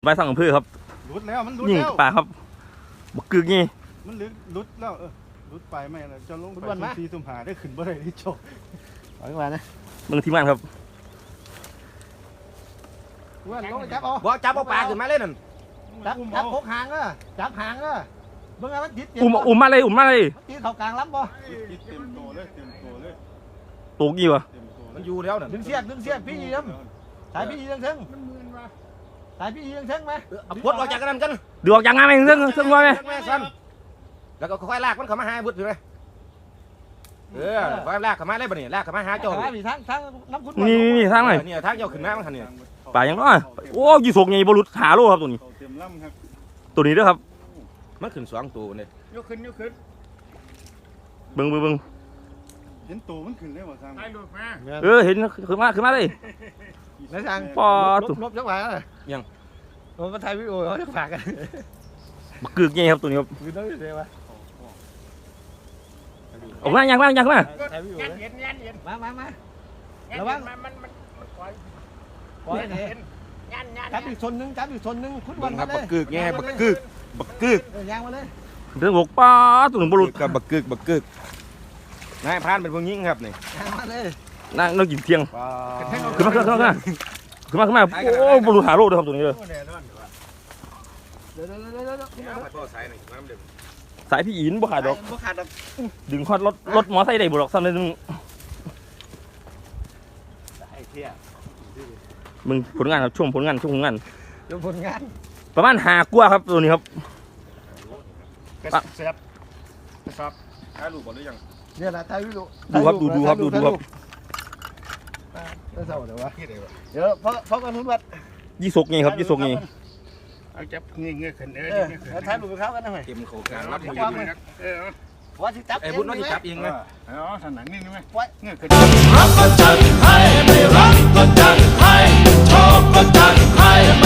ใบสั่งอำเภอครับรุดแล้วมันรุดยิงแล้วปลาครับบักกึกนี่มันรุดแล้วรุดไปไม่แล้วจะลงไปซุ่มหาได้ขึ้นบ่ได้ที่โจไปมานะมึงทีมงานครับว่าลงจับเอาบ่จับเอาปลาขึ้นมาเลยนั่นจับพกหางก็จับหางก็เบิ่งไงมันติดอุ้มมาเลยมันติดเข้ากลางลำบ่เต็มโตเลยตูกี่วะมันอยู่แล้วนั่นดึงเสียกพี่ยีมสายพี่ยีทั้งสายพี่ยีทั้งไหมเอาพวดออกจากกันนั่นกันดูออกจากงานไหมซึ่งว่าไหมแล้วก็ค่อยลากมันเข้ามาหาบุตรเลยค่อยลากเข้ามาเลยบ่นี่ลากเข้ามาหาเจ้าทางน้ำขุ่นนี่ทางไหนนี่ทางเจ้าขึ้นมามันคันนี่ป่ายังน้อยโอ้ยี่สกไงบอลุหาโลครับตัวนี้ตัวนี้ด้วยครับมันขึ้น2ตัวนี่ยกขึ้นเบิ่งเห็นตัวมันขึ้นได้บ่ทางเห็นขึ้นมาเลยแล้วทางปอลบจังหวะยังมันถ่ายวิดีโอเขาจะฝากกันบักกึกไงครับตัวนี้ครับคือต้องเสียวะออกมายังมามาระวังปล่อยจับอีกชนนึงคุณวันมาเลยบักกึกไงบักกึกยางมาเลยเรื่องบกป้าตัวหนึ่งบอลุกับบักกึกนายพานเป็นพวกยิงครับนี่มาเลยนั่งกินเที่ยงขึ้นมาโอ้บอลุหาโลด้วยครับตัวนี้เลยสายพี่อินบ่ขาดดอกดึงคอดรถมอไซค์ได้บ่ดอกซ้ำเลยมึงผลงานครับช่วงผลงานประมาณ5 กว่าครับตัวนี้ครับเสียบครับถ่ายรูปก่อนหรือยังเนี่ยนะถ่ายรูปดูครับเดี๋ยวเพราะกันทุนวัดยี่สกไงครับยี่สกไงเอาจับเงี้ยขึ้นถ่ายรูปเขากันหน่อยเต็มโครงการรับมือว่าที่จับไอ้บุญน้อยจับเองไหมถนัดนี่ไหมเงี้ยขึ้นรับก็จัดให้ไม่รับก็จัดให้ชอบก็จัดให้